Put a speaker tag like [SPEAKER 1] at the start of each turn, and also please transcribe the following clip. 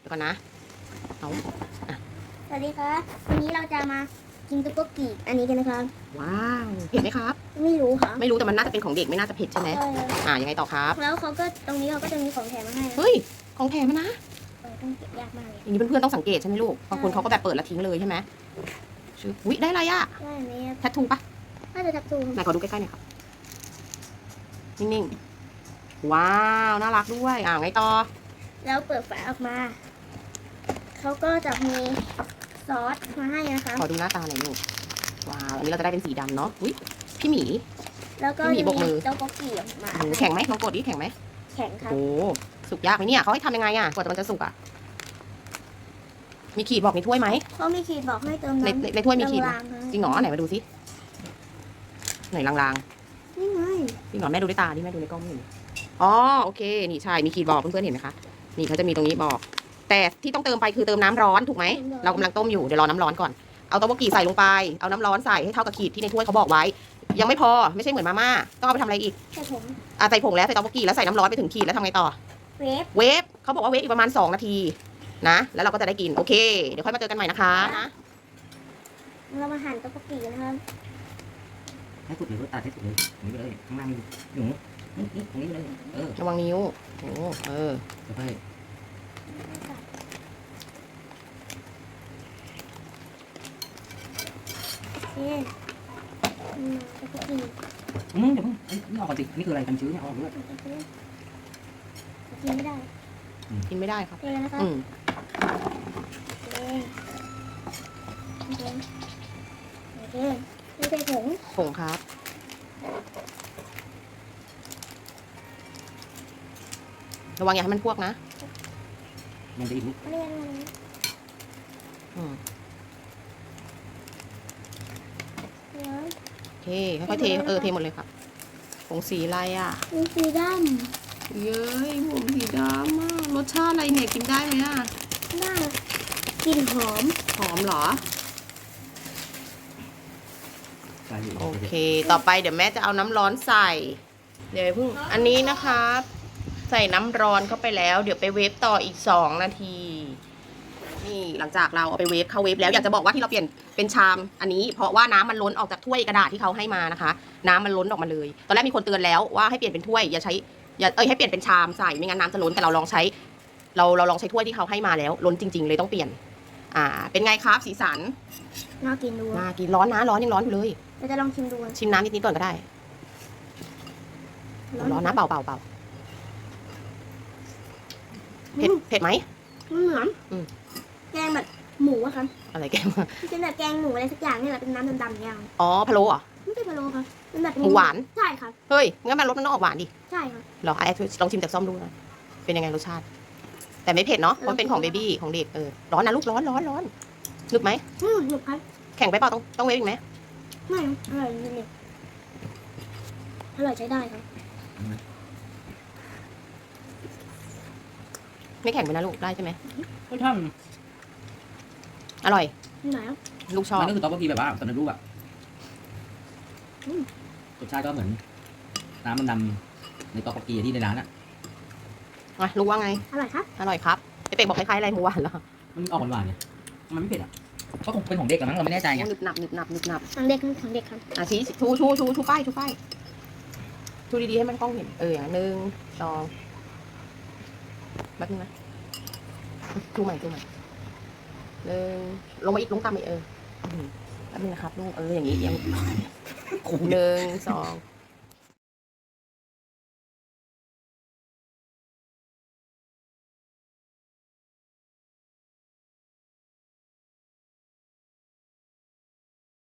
[SPEAKER 1] เดี๋ยวก่อนนะเอา
[SPEAKER 2] สวัสดีครับวันนี้เราจะมากินตุ๊กโกกิอันนี้กันนะครับ
[SPEAKER 1] ว้าวเผ็ดไหมครับ
[SPEAKER 2] ไม่รู้ค่ะ
[SPEAKER 1] ไม่รู้แต่มันน่าจะเป็นของเด็กไม่น่าจะเผ็ดใช่ไหม
[SPEAKER 2] ใช่ครับ
[SPEAKER 1] ยังไงต่อครับ
[SPEAKER 2] แล้วเขาก็ตรงนี้เขาก็จะมีของแถมมาให้นะ
[SPEAKER 1] เฮ้ยของแถมนะ
[SPEAKER 2] ต้องเก็บยากมากเลย
[SPEAKER 1] อย่างนี้เพื่อนๆต้องสังเกตใช่ไหมลูกบางคนเขาก็แบบเปิดแล้วทิ้งเลยใช่ไหมชื่ออุ๊ยได้อะไรอะ
[SPEAKER 2] ได้อันนี้
[SPEAKER 1] แทททูปะ
[SPEAKER 2] น่าจะทับทู
[SPEAKER 1] ไหนขอดูใกล้ๆหน่อยครับนิ่งๆว้าวน่ารักด้วยไงต่อ
[SPEAKER 2] แล้วเปิดฝาออกมาเขาก็จะมีซอสมาให้นะคะ
[SPEAKER 1] ขอดูหน้าตาหน่อยลูกว้าวอันนี้เราจะได้เป็นสีดำเนาะอุ๊ยพี่หมี
[SPEAKER 2] แล้วก็
[SPEAKER 1] พี่หมี
[SPEAKER 2] จะ
[SPEAKER 1] บกมื
[SPEAKER 2] มี
[SPEAKER 1] อ
[SPEAKER 2] ตุ๊กโกกิออกมา
[SPEAKER 1] โอ้โหแข็งไหมลองกดดิแข็งไหม
[SPEAKER 2] แข็งครับ
[SPEAKER 1] โอ้สุกยากไหมเนี่ยเขาให้ทำยังไงอะกว่ามันจะสุกอะมีขีดบอกในถ้วยไหม
[SPEAKER 2] เขามีขีดบอกให้เติม
[SPEAKER 1] ใน
[SPEAKER 2] น้ำ
[SPEAKER 1] ในถ้วยมีขีดไหม
[SPEAKER 2] ลางๆนะ
[SPEAKER 1] จริงเหรอไหนมาดูสิไหนลาง
[SPEAKER 2] นี่ไง
[SPEAKER 1] ๆจริงเหรอแม่ดูด้วยตาดิแม่ดูในกล้องไม่เห็นอ๋อโอเคนี่ใช่มีขีดบอกเพื่อนๆเห็นไหมคะนี่เขาจะมีตรงนี้บอก แต่ที่ต้องเติมไปคือเติมน้ำร้อนถูกไหมเรากำลังต้มอยู่เดี๋ยวรอน้ำร้อนก่อนเอาเต้าหู้กีใส่ลงไปเอาน้ำร้อนใส่ให้เท่ากับขีดที่ในถ้วยเขาบอกไว้ ยังไม่พอไม่ใช่เหมือนมาม่าต้องเอาไปทำอะไรอีก
[SPEAKER 2] ใช่ผม
[SPEAKER 1] ใส่ผงแล้วใส่เต้าหู้กีแล้วใส่น้ำร้อนไปถึงขีดแล้วทำไงต่อ
[SPEAKER 2] เวฟ
[SPEAKER 1] เวฟเขาบอกว่าเวฟอีกประมาณ2 นาทีนะแล้วเราก็จะได้กินโอเคเดี๋ยวค่อยมาเจอกันใหม่นะคะนะ
[SPEAKER 2] เรามาหั่นตุ๊กโกกินะครับ
[SPEAKER 3] ให้สุดเลยก็ตัดให้สุดเลยตรงนี้ไปเลยข้างล่างหนูนี่ตรงนี้ไปเลย
[SPEAKER 1] ระวังนิ้วโอ้
[SPEAKER 3] ค่อย
[SPEAKER 2] โอเคตุ๊กโกกิ
[SPEAKER 3] เดี๋ยวเพิ่งนี่ออกก่อนสินี่คืออะไรกันชื้นเนี่ยออกด้วย
[SPEAKER 2] กินไม่ได้
[SPEAKER 1] กินไม่ได้ครับ
[SPEAKER 2] เทเลยนะครับ โอเคไม่ใส่ผง
[SPEAKER 1] ผงครับระวังอย่าให้มันพวกนะ
[SPEAKER 3] มันจะอีกลูก
[SPEAKER 2] เรียนมา
[SPEAKER 1] อืม
[SPEAKER 2] เดี๋ยว
[SPEAKER 1] โอเคค่อยๆเทเทหมดเลยครับผงสีอะไรอ่ะ
[SPEAKER 2] มีสีด
[SPEAKER 1] เย้ยผงสีดำอ่ะรสชาติอะไรเนี่ยกินได้ไหมอ่ะ
[SPEAKER 2] ำน่ากลิ่นหอม
[SPEAKER 1] หอมเหรอ
[SPEAKER 3] ใช่อยู่
[SPEAKER 1] โอเค ต่อไปเดี๋ยวแม่จะเอาน้ำร้อนใส่ เดี๋ยวเพิ่งอันนี้นะครับ ใส่น้ำร้อนเข้าไปแล้ว เดี๋ยวไปเวฟต่ออีก2 นาที นี่หลังจากเราเอาไปเวฟเข้าเวฟแล้วอยากจะบอกว่าที่เราเปลี่ยนเป็นชามอันนี้เพราะว่าน้ำมันล้นออกจากถ้วยกระดาษที่เขาให้มานะคะ น้ำมันล้นออกมาเลย ตอนแรกมีคนเตือนแล้วว่าให้เปลี่ยนเป็นถ้วยอย่าใช้ให้เปลี่ยนเป็นชามใส่ไม่งั้นน้ำจะล้นแต่เราลองใช้เราลองใช้ถ้วยที่เขาให้มาแล้ว ล้นจริง ๆ เลยต้องเปลี่ยน เป็นไงครับสีสัน
[SPEAKER 2] น่ากินดู
[SPEAKER 1] น่ากินร้อนนะร้อนยังร้อนอยู่เลย
[SPEAKER 2] เราจะลองชิมดู
[SPEAKER 1] ชิมน้ำนิดๆก่อนก็ได้ร้อนนะเปล่าเผ็ดไหม
[SPEAKER 2] มันเหมือน
[SPEAKER 1] อืม
[SPEAKER 2] แกงแบบหมูอะครับ
[SPEAKER 1] อะไรแกมา
[SPEAKER 2] เป็นแบบแกงหมูอะไรสักอย่างนี่แหละเป็นน้ำดำๆอย่าง
[SPEAKER 1] อ๋อพะโล้เหรอ
[SPEAKER 2] ไม่ใช่พะโล้ครับเป็นแบบ
[SPEAKER 1] หมูหวาน
[SPEAKER 2] ใช่ครับ
[SPEAKER 1] เฮ้ยงั้นมันรสมันต้องออกหวานดิ
[SPEAKER 2] ใช่ครับ
[SPEAKER 1] เหรอไอ้ลองชิมจากซ่อมดูนะเป็นยังไงรสชาติ แต่ไม่เผ็ดเนาะเพราะมันเป็นของเบบี้ของเด็กร้อนนะลูกร้อนนึกไหม
[SPEAKER 2] หนุกครับ
[SPEAKER 1] แข็งไปเปล่าต้องเวฟอีกไหม
[SPEAKER 2] ไม่อร่อยจริงๆอร่อยใช้ได้ครับ
[SPEAKER 1] ไม่แข็งไปนะลูกได้ใช่ไหม
[SPEAKER 3] ก็ท่าน
[SPEAKER 1] อร่อย
[SPEAKER 2] ไหนอ่ะ
[SPEAKER 1] ลูกชอบ
[SPEAKER 3] มันก็คือต๊อกโกกีแบบว่าสำเร็จรูปอะรสชาติก็เหมือนน้ำมันดำในต๊อกโกกีที่ในร้านอะ
[SPEAKER 1] ลูกว่าไง
[SPEAKER 2] อร่อยครับ
[SPEAKER 1] อร่อยครับไอเป็กบอกคล้ายๆอะไรหมูหวานเหรอ
[SPEAKER 3] มันออกหวานๆเนี่ยมันไม่เผ็ดอะก็คงเป็นของเด็กกันมั้งเราไม่แน่ใจไง
[SPEAKER 1] หนึบหนับ
[SPEAKER 2] ของเด็กของเด็กครับ
[SPEAKER 1] ชี้ชูป้ายชูดีๆให้มันกล้องเห็นอย่าง1 2แป๊บนึงนะชูใหม่ลงมาอีกลงตามอีกแป๊บนึงนะครับลูกอย่างนี้ยัง1 2